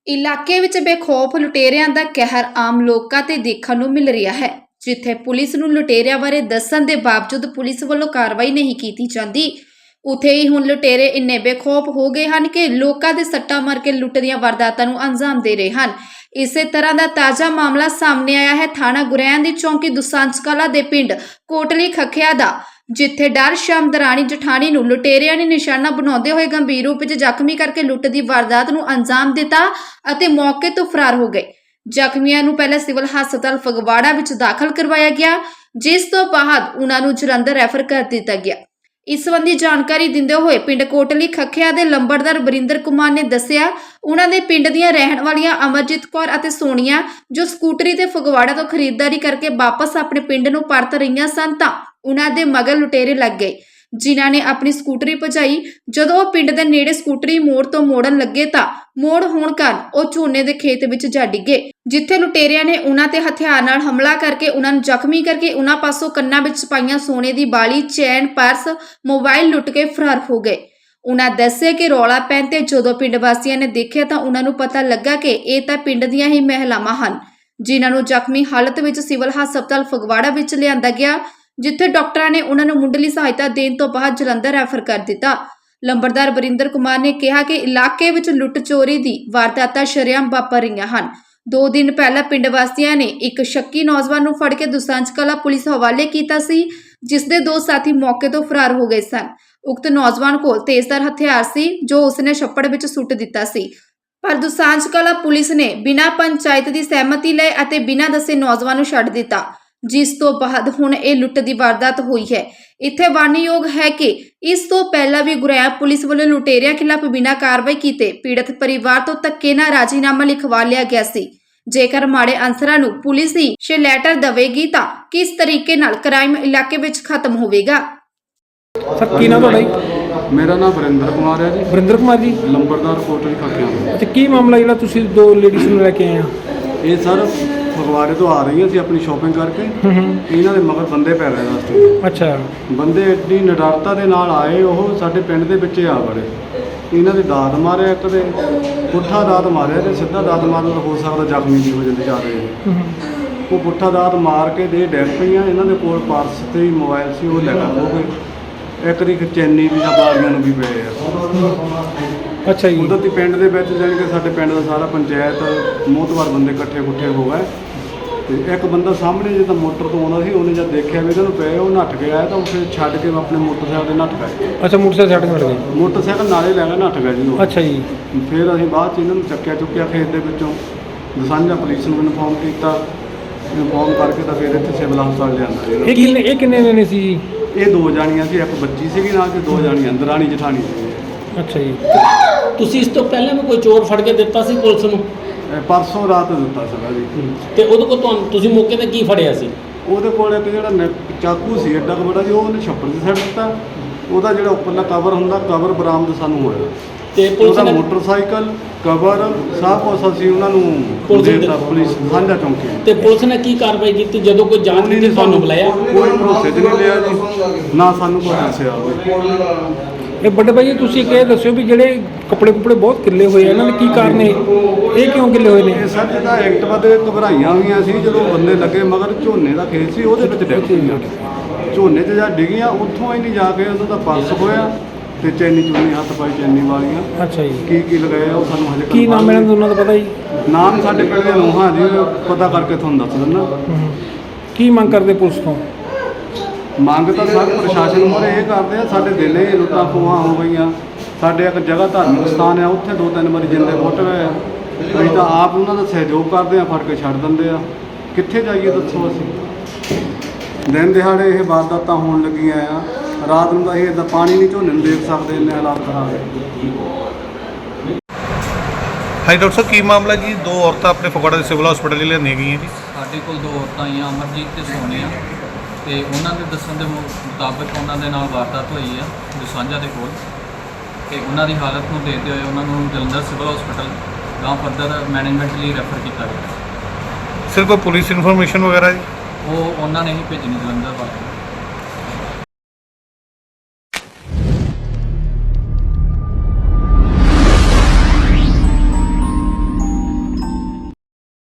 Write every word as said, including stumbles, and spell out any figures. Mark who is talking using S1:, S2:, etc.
S1: ਇਲਾਕੇ ਵਿੱਚ ਬੇਖੌਫ ਲੁਟੇਰਿਆਂ ਦਾ ਕਹਿਰ ਆਮ ਲੋਕਾਂ ਤੇ ਦੇਖਣ ਨੂੰ ਮਿਲ ਰਿਹਾ ਹੈ। ਜਿੱਥੇ ਪੁਲਿਸ ਨੂੰ ਲੁਟੇਰਿਆਂ ਬਾਰੇ ਦੱਸਣ ਦੇ ਬਾਵਜੂਦ ਪੁਲਿਸ ਵੱਲੋਂ ਕਾਰਵਾਈ ਨਹੀਂ ਕੀਤੀ ਜਾਂਦੀ, ਉੱਥੇ ਹੀ ਹੁਣ ਲੁਟੇਰੇ ਇੰਨੇ ਬੇਖੌਫ ਹੋ ਗਏ ਹਨ ਕਿ ਲੋਕਾਂ ਦੇ ਸੱਟਾਂ ਮਾਰ ਕੇ ਲੁੱਟ ਦੀਆਂ ਵਾਰਦਾਤਾਂ ਨੂੰ ਅੰਜਾਮ ਦੇ ਰਹੇ ਹਨ। ਇਸੇ ਤਰ੍ਹਾਂ ਦਾ ਤਾਜ਼ਾ ਮਾਮਲਾ ਸਾਹਮਣੇ ਆਇਆ ਹੈ ਥਾਣਾ ਗੁਰੈਣ ਦੀ ਚੌਂਕੀ ਦੁਸਾਂਝ ਕਲਾਂ ਦੇ ਪਿੰਡ ਕੋਟਲੀ ਖੱਖਿਆ ਦਾ, ਜਿੱਥੇ ਡਰ ਸ਼ਾਮ ਦਰਾਣੀ ਜਠਾਣੀ ਨੂੰ ਲੁਟੇਰਿਆਂ ਨੇ ਨਿਸ਼ਾਨਾ ਬਣਾਉਂਦੇ ਹੋਏ ਗੰਭੀਰ ਰੂਪ ਵਿੱਚ ਜ਼ਖਮੀ ਕਰਕੇ ਲੁੱਟ ਦੀ ਵਾਰਦਾਤ ਨੂੰ ਅੰਜਾਮ ਦਿੱਤਾ ਅਤੇ ਮੌਕੇ ਤੋਂ ਫਰਾਰ ਹੋ ਗਏ। ਜ਼ਖਮੀਆਂ ਨੂੰ ਪਹਿਲਾਂ ਸਿਵਲ ਹਸਪਤਾਲ ਫਗਵਾੜਾ ਵਿੱਚ ਦਾਖਲ ਕਰਵਾਇਆ ਗਿਆ, ਜਿਸ ਤੋਂ ਬਾਅਦ ਉਹਨਾਂ ਨੂੰ ਜਲੰਧਰ ਰੈਫਰ ਕਰ ਦਿੱਤਾ ਗਿਆ। ਇਸ ਸੰਬੰਧੀ ਜਾਣਕਾਰੀ ਦਿੰਦੇ ਹੋਏ ਪਿੰਡ ਕੋਟਲੀ ਖੱਖਿਆ ਦੇ ਲੰਬੜਦਾਰ ਬਰਿੰਦਰ ਕੁਮਾਰ ਨੇ ਦੱਸਿਆ, ਉਹਨਾਂ ਦੇ ਪਿੰਡ ਦੀਆਂ ਰਹਿਣ ਵਾਲੀਆਂ ਅਮਰਜੀਤ ਕੌਰ ਅਤੇ ਸੋਨੀਆ ਜੋ ਸਕੂਟਰੀ ਤੇ ਫਗਵਾੜਾ ਤੋਂ ਖਰੀਦਦਾਰੀ ਕਰਕੇ ਵਾਪਸ ਆਪਣੇ ਪਿੰਡ ਨੂੰ ਪਰਤ ਰਹੀਆਂ ਸਨ ਤਾਂ ਉਹਨਾਂ ਦੇ ਮਗਰ ਲੁਟੇਰੇ ਲੱਗ ਗਏ, ਜਿਨ੍ਹਾਂ ਨੇ ਆਪਣੀ ਸਕੂਟਰੀ ਭਜਾਈ। ਜਦੋਂ ਉਹ ਪਿੰਡ ਦੇ ਨੇੜੇ ਸਕੂਟਰੀ ਮੋੜ ਤੋਂ ਮੋੜਨ ਲੱਗੇ ਤਾਂ ਮੋੜ ਹੋਣ ਕਾਰਨ ਉਹ ਝੋਨੇ ਦੇ ਖੇਤ ਵਿੱਚ ਜਾ ਡਿੱਗੇ, ਜਿੱਥੇ ਲੁਟੇਰਿਆਂ ਨੇ ਉਹਨਾਂ ਤੇ ਹਥਿਆਰ ਨਾਲ ਹਮਲਾ ਕਰਕੇ ਉਹਨਾਂ ਨੂੰ ਜ਼ਖਮੀ ਕਰਕੇ ਉਹਨਾਂ ਪਾਸੋਂ ਕੰਨਾਂ ਵਿੱਚ ਪਾਈਆਂ ਸੋਨੇ ਦੀ ਬਾਲੀ, ਚੈਨ, ਪਰਸ, ਮੋਬਾਈਲ ਲੁੱਟ ਕੇ ਫਰਾਰ ਹੋ ਗਏ। ਉਹਨਾਂ ਦੱਸਿਆ ਕਿ ਰੌਲਾ ਪੈਣ ਤੇ ਜਦੋਂ ਪਿੰਡ ਵਾਸੀਆਂ ਨੇ ਦੇਖਿਆ ਤਾਂ ਉਹਨਾਂ ਨੂੰ ਪਤਾ ਲੱਗਾ ਕਿ ਇਹ ਤਾਂ ਪਿੰਡ ਦੀਆਂ ਹੀ ਮਹਿਲਾਵਾਂ ਹਨ, ਜਿਨ੍ਹਾਂ ਨੂੰ ਜ਼ਖਮੀ ਹਾਲਤ ਵਿੱਚ ਸਿਵਲ ਹਸਪਤਾਲ ਫਗਵਾੜਾ ਵਿੱਚ ਲਿਆਂਦਾ ਗਿਆ, ਜਿੱਥੇ ਡਾਕਟਰਾਂ ਨੇ ਉਹਨਾਂ ਨੂੰ ਮੁੱਢਲੀ ਸਹਾਇਤਾ ਦੇਣ ਤੋਂ ਬਾਅਦ ਜਲੰਧਰ ਰੈਫਰ ਕਰ ਦਿੱਤਾ। ਲੰਬੜਦਾਰ ਬਰਿੰਦਰ ਕੁਮਾਰ ਨੇ ਕਿਹਾ ਕਿ ਇਲਾਕੇ ਵਿੱਚ ਲੁੱਟ ਚੋਰੀ ਦੀ ਵਾਰਦਾਤਾਂ ਸ਼ਰੇਆਮ ਵਾਪਰ ਰਹੀਆਂ ਹਨ। ਦੋ ਦਿਨ ਪਹਿਲਾਂ ਪਿੰਡ ਵਾਸੀਆਂ ਨੇ ਇੱਕ ਸ਼ੱਕੀ ਨੌਜਵਾਨ ਨੂੰ ਫੜ ਕੇ ਦੁਸਾਂਝ ਕਲਾਂ ਪੁਲਿਸ ਹਵਾਲੇ ਕੀਤਾ ਸੀ, ਜਿਸ ਦੇ ਦੋ ਸਾਥੀ ਮੌਕੇ ਤੋਂ ਫਰਾਰ ਹੋ ਗਏ ਸਨ। ਉਕਤ ਨੌਜਵਾਨ ਕੋਲ ਤੇਜ਼ਧਾਰ ਹਥਿਆਰ ਸੀ, ਜੋ ਉਸਨੇ ਛੱਪੜ ਵਿੱਚ ਸੁੱਟ ਦਿੱਤਾ ਸੀ, ਪਰ ਦੁਸਾਂਝ ਕਲਾਂ ਪੁਲਿਸ ਨੇ ਬਿਨਾਂ ਪੰਚਾਇਤ ਦੀ ਸਹਿਮਤੀ ਲਏ ਅਤੇ ਬਿਨਾਂ ਦੱਸੇ ਨੌਜਵਾਨ ਨੂੰ ਛੱਡ ਦਿੱਤਾ, ਜਿਸ ਤੋਂ ਬਾਅਦ ਹੁਣ ਇਹ ਲੁੱਟ ਦੀ ਵਾਰਦਾਤ ਹੋਈ ਹੈ। ਇੱਥੇ ਵਾਰਨਯੋਗ ਹੈ ਕਿ ਇਸ ਤੋਂ ਪਹਿਲਾਂ ਵੀ ਗੁਰੈਣ ਪੁਲਿਸ ਵੱਲੋਂ ਲੁਟੇਰਿਆਂ ਖਿਲਾਫ ਬਿਨਾਂ ਕਾਰਵਾਈ ਕੀਤੇ ਪੀੜਤ ਪਰਿਵਾਰ ਤੋਂ ਧੱਕੇ ਨਾਲ ਰਾਜੀਨਾਮਾ ਲਿਖਵਾ ਲਿਆ ਗਿਆ ਸੀ। ਜੇਕਰ ਮਾੜੇ ਅਨਸਰਾਂ ਨੂੰ ਪੁਲਿਸ ਹੀ ਸ਼ੈਲਟਰ ਦੇਵੇਗੀ ਤਾਂ ਕਿਸ ਤਰੀਕੇ ਨਾਲ ਕ੍ਰਾਈਮ ਇਲਾਕੇ ਵਿੱਚ ਖਤਮ ਹੋਵੇਗਾ।
S2: ਸਰ ਕੀ ਨਾਮ ਤੁਹਾਡਾ ਜੀ?
S3: ਮੇਰਾ ਨਾਮ ਵਰਿੰਦਰ ਕੁਮਾਰ ਹੈ ਜੀ।
S2: ਵਰਿੰਦਰ ਕੁਮਾਰ ਜੀ,
S3: ਲੰਬੜਦਾਰ ਕੋਟਲੀ ਖੱਖਿਆ।
S2: ਅੱਛਾ, ਕੀ ਮਾਮਲਾ ਜਿਹੜਾ ਤੁਸੀਂ ਦੋ ਲੇਡੀਜ਼ ਨੂੰ ਲੈ ਕੇ ਆਏ ਆ?
S3: ਇਹ ਸਰ ਫਗਵਾੜੇ ਤੋਂ ਆ ਰਹੀਆਂ ਸੀ ਆਪਣੀ ਸ਼ਾਪਿੰਗ ਕਰਕੇ।
S2: ਹੂੰ ਹੂੰ
S3: ਇਹਨਾਂ ਦੇ ਮਗਰ ਬੰਦੇ ਪੈ ਰਹੇ ਰਸਤੇ।
S2: ਅੱਛਾ,
S3: ਬੰਦੇ ਐਡੀ ਨਿਡਰਤਾ ਦੇ ਨਾਲ ਆਏ, ਉਹ ਸਾਡੇ ਪਿੰਡ ਦੇ ਵਿੱਚ ਆ ਵੜੇ। ਇਹਨਾਂ ਦੇ ਦਾਤ ਮਾਰਿਆ, ਇੱਕ ਦੇ ਪੁੱਠਾ ਦਾਤ ਮਾਰਿਆ ਤੇ ਸਿੱਧਾ ਦਾਤ ਮਾਰਨ ਦਾ ਹੋ ਸਕਦਾ ਜ਼ਖਮੀ ਵੀ ਹੋ ਜਾਂਦੇ ਜਾ ਰਹੇ।
S2: ਹੂੰ ਹੂੰ
S3: ਉਹ ਪੁੱਠਾ ਦਾਤ ਮਾਰ ਕੇ ਦੇ ਡੈਗ ਪਈਆਂ। ਇਹਨਾਂ ਦੇ ਕੋਲ ਪਰਸ ਤੇ ਹੀ ਮੋਬਾਈਲ ਸੀ, ਉਹ ਲੈ ਕੇ ਹੋ ਗਏ। ਇੱਕ ਦੀ ਚੈਨੀ ਵੀ ਬਾਲੀਆਂ ਨੂੰ ਵੀ ਪਏ ਆ।
S2: ਅੱਛਾ ਜੀ।
S3: ਕੁਦਰਤੀ ਪਿੰਡ ਦੇ ਵਿੱਚ ਜਾਣੀ ਕਿ ਸਾਡੇ ਪਿੰਡ ਦਾ ਸਾਰਾ ਪੰਚਾਇਤ ਮੋਹਤਵਾਰ ਬੰਦੇ ਇਕੱਠੇ ਕੁੱਠੇ ਹੋ ਗਏ ਤੇ ਇੱਕ ਬੰਦਾ ਸਾਹਮਣੇ ਜਿੱਦਾਂ ਮੋਟਰ ਤੋਂ ਆਉਂਦਾ ਸੀ, ਉਹਨੇ ਜਦ ਦੇਖਿਆ ਵੀ ਇਹਨਾਂ ਨੂੰ ਪਏ, ਉਹ ਨੱਠ ਗਿਆ ਤਾਂ ਉਹ ਫਿਰ ਛੱਡ ਕੇ ਆਪਣੇ ਮੋਟਰਸਾਈਕਲ ਤੇ ਨੱਠ ਗਏ।
S2: ਅੱਛਾ, ਮੋਟਰਸਾਈਕਲ ਛੱਡ ਕੇ ਗਏ?
S3: ਮੋਟਰਸਾਈਕਲ ਨਾਲੇ ਲੈ ਕੇ ਨੱਠ ਗਿਆ ਜੀ ਉਹ।
S2: ਅੱਛਾ ਜੀ।
S3: ਫਿਰ ਅਸੀਂ ਬਾਅਦ 'ਚ ਇਹਨਾਂ ਨੂੰ ਚੱਕਿਆ ਚੁੱਕਿਆ ਖੇਤ ਦੇ ਵਿੱਚੋਂ, ਦਸਾਂਝਾ ਪੁਲਿਸ ਨੂੰ ਇਨਫੋਰਮ ਕੀਤਾ। ਇਨਫੋਰਮ ਕਰਕੇ ਤਾਂ ਫਿਰ ਇੱਥੇ ਸਿਵਲ ਹਸਪਤਾਲ ਲਿਆਂਦਾ ਜੀ।
S2: ਇਹ ਕਿੰਨੇ ਇਹ ਕਿੰਨੇ ਜਣੇ ਸੀ ਜੀ?
S3: ਇਹ ਦੋ ਜਾਣੀਆਂ ਸੀ, ਇੱਕ ਬੱਚੀ ਸੀਗੀ ਨਾਲ ਤੇ ਦੋ ਜਾਣੀਆਂ ਦਰਾਣੀ ਜਠਾਣੀ ਸੀ।
S2: ਅੱਛਾ ਜੀ।
S4: ਤੁਸੀਂ ਇਸ ਤੋਂ ਪਹਿਲਾਂ ਵੀ ਕੋਈ ਚੋਰ ਫੜ ਕੇ ਦਿੱਤਾ ਸੀ ਪੁਲਿਸ ਨੂੰ?
S3: ਇਹ ਪਰਸੋਂ ਰਾਤ ਦਿੱਤਾ ਸੀਗਾ ਜੀ।
S4: ਤੇ ਉਹਦੇ ਕੋਲ ਤੁਹਾਨੂੰ ਤੁਸੀਂ ਮੌਕੇ ਤੇ ਕੀ ਫੜਿਆ ਸੀ?
S3: ਉਹਦੇ ਕੋਲ ਇੱਕ ਜਿਹੜਾ ਨੈ- ਚਾਕੂ ਸੀ ਐਡਾ ਕੁ ਬੜਾ ਜੀ, ਉਹ ਉਹਨੇ ਛੱਪੜ 'ਤੇ ਛੱਡ ਦਿੱਤਾ। ਉਹਦਾ ਜਿਹੜਾ ਉੱਪਰਲਾ ਕਵਰ ਹੁੰਦਾ, ਕਵਰ ਬਰਾਮਦ ਸਾਨੂੰ ਹੋਇਆ।
S4: ਤੇ ਪੁਲਿਸ
S3: ਉਹਦਾ
S4: ਨੇ
S3: ਮੋਟਰਸਾਈਕਲ, ਕਵਰ ਸਭ ਕੁਛ ਅਸੀਂ ਉਹਨਾਂ ਨੂੰ
S4: ਪੁਲਿਸ
S3: ਦੇ
S4: ਨੂੰ
S3: ਦਿੱਤਾ, ਪੁਲਿਸ ਸਾਂਝਾ ਚੌਂਕੀ।
S4: ਤੇ ਪੁਲਿਸ ਨੇ ਕੀ ਕਾਰਵਾਈ ਕੀਤੀ ਜਦੋਂ ਕੋਈ ਜਾਂਚ ਨਹੀਂ ਤੇ ਤੁਹਾਨੂੰ ਬੁਲਾਇਆ?
S3: ਕੋਈ ਭਰੋਸੇ 'ਚ ਨਹੀਂ ਲਿਆ ਜੀ, ਨਾ ਸਾਨੂੰ ਕੋਈ ਦੱਸਿਆ।
S2: ਇਹ ਵੱਡੇ ਭਾਈ ਤੁਸੀਂ ਇੱਕ ਇਹ ਦੱਸਿਓ ਵੀ ਜਿਹੜੇ ਕੱਪੜੇ ਕੁਪੜੇ ਬਹੁਤ ਕਿੱਲੇ ਹੋਏ ਆ, ਇਹਨਾਂ ਦੇ ਕੀ ਕਾਰਨ ਨੇ? ਇਹ ਕਿਉਂ ਕਿੱਲੇ ਹੋਏ ਨੇ?
S3: ਇਹ ਸਰ ਜਿਹਦਾ ਐਕਟਿਵਾ ਦੇ ਘਬਰਾਈਆਂ ਹੋਈਆਂ ਸੀ, ਜਦੋਂ ਬੰਦੇ ਲੱਗੇ ਮਗਰ ਝੋਨੇ ਦਾ ਖੇਤ ਸੀ, ਉਹਦੇ ਵਿੱਚ ਡਿੱਗ ਪਈਆਂ। ਝੋਨੇ 'ਚ ਜਾਂ ਡਿੱਗੀਆਂ, ਉੱਥੋਂ ਹੀ ਨਹੀਂ ਜਾ ਕੇ ਉਹਨਾਂ ਦਾ ਪਰਸ ਹੋਇਆ ਤੇ ਚੈਨੀ ਚੁੰਨੀ ਹੱਥ ਪਾਈ ਚੈਨੀ ਵਾਲੀਆਂ।
S2: ਅੱਛਾ ਜੀ।
S3: ਕੀ ਕੀ ਲਗਾਇਆ ਉਹ ਸਾਨੂੰ ਹਜੇ
S2: ਕੀ ਨਾਮ ਇਹਨਾਂ ਦਾ ਉਹਨਾਂ ਦਾ ਪਤਾ ਜੀ?
S3: ਨਾਮ ਸਾਡੇ ਪਿੰਡ ਦੇ ਨੋਹਾਂ ਜੀ, ਪਤਾ ਕਰਕੇ ਤੁਹਾਨੂੰ ਦੱਸ ਦਿੰਦਾ।
S2: ਹੂੰ। ਕੀ ਮੰਗ ਕਰਦੇ ਪੁਲਿਸ ਤੋਂ?
S3: ਮੰਗ ਤਾਂ ਸਰ ਪ੍ਰਸ਼ਾਸਨ ਮੂਹਰੇ ਇਹ ਕਰਦੇ ਆ, ਸਾਡੇ ਦਿਲੇ ਲੁੱਟਾਂ ਖੋਹਾਂ ਹੋ ਗਈਆਂ। ਸਾਡੇ ਇੱਕ ਜਗ੍ਹਾ ਧਾਰਮਿਕ ਸਥਾਨ ਆ, ਉੱਥੇ ਦੋ ਤਿੰਨ ਵਾਰੀ ਜਿੰਦੇ ਫੁੱਟ ਗਏ ਆ। ਅਸੀਂ ਤਾਂ ਆਪ ਉਹਨਾਂ ਦਾ ਸਹਿਯੋਗ ਕਰਦੇ ਆ, ਫੜ ਕੇ ਛੱਡ ਦਿੰਦੇ ਆ। ਕਿੱਥੇ ਜਾਈਏ ਦੱਸੋ ਅਸੀਂ? ਦਿਨ ਦਿਹਾੜੇ ਇਹ ਵਾਰਦਾਤਾਂ ਹੋਣ ਲੱਗੀਆਂ ਆ। ਰਾਤ ਨੂੰ ਤਾਂ ਇਹ ਇੱਦਾਂ ਪਾਣੀ ਨਹੀਂ ਝੋਨੇ ਨੂੰ ਦੇਖ ਸਕਦੇ, ਇੰਨੇ ਹਾਲਾਤ ਖਰਾਬ ਹੈ।
S5: ਹਾਂਜੀ ਡਾਕਟਰ ਸਾਹਿਬ, ਕੀ ਮਾਮਲਾ ਜੀ? ਦੋ ਔਰਤਾਂ ਆਪਣੇ ਫਗਵਾੜਾ ਦੇ ਸਿਵਲ ਹਸਪੀਟਲ ਲਿਆਂਦੀਆਂ ਗਈਆਂ ਜੀ।
S6: ਸਾਡੇ ਕੋਲ ਦੋ ਔਰਤਾਂ ਆਈਆਂ, ਅਮਰਜੀਤ ਤੇ ਸੋਨੀਆ, ਤੇ ਉਹਨਾਂ ਦੇ ਦੱਸਣ ਦੇ ਮੁਤਾਬਕ ਉਹਨਾਂ ਦੇ ਨਾਲ ਵਾਰਦਾਤ ਹੋਈ ਆ ਦੁਸਾਂਝਾ ਦੇ ਕੋਲ, ਤੇ ਉਹਨਾਂ ਦੀ ਹਾਲਤ ਨੂੰ ਦੇਖਦੇ ਹੋਏ ਉਹਨਾਂ ਨੂੰ ਜਲੰਧਰ ਸਿਵਲ ਹਸਪੀਟਲ ਗਾਂ ਫਰਦਰ ਮੈਨੇਜਮੈਂਟ ਲਈ ਰੈਫਰ ਕੀਤਾ ਗਿਆ।
S5: ਸਿਰ ਕੋਈ ਪੁਲਿਸ ਇਨਫੋਰਮੇਸ਼ਨ ਵਗੈਰਾ ਜੀ?
S6: ਉਹ ਉਹਨਾਂ ਨੇ ਹੀ ਭੇਜਣੀ ਜਲੰਧਰ ਵਾਲੇ।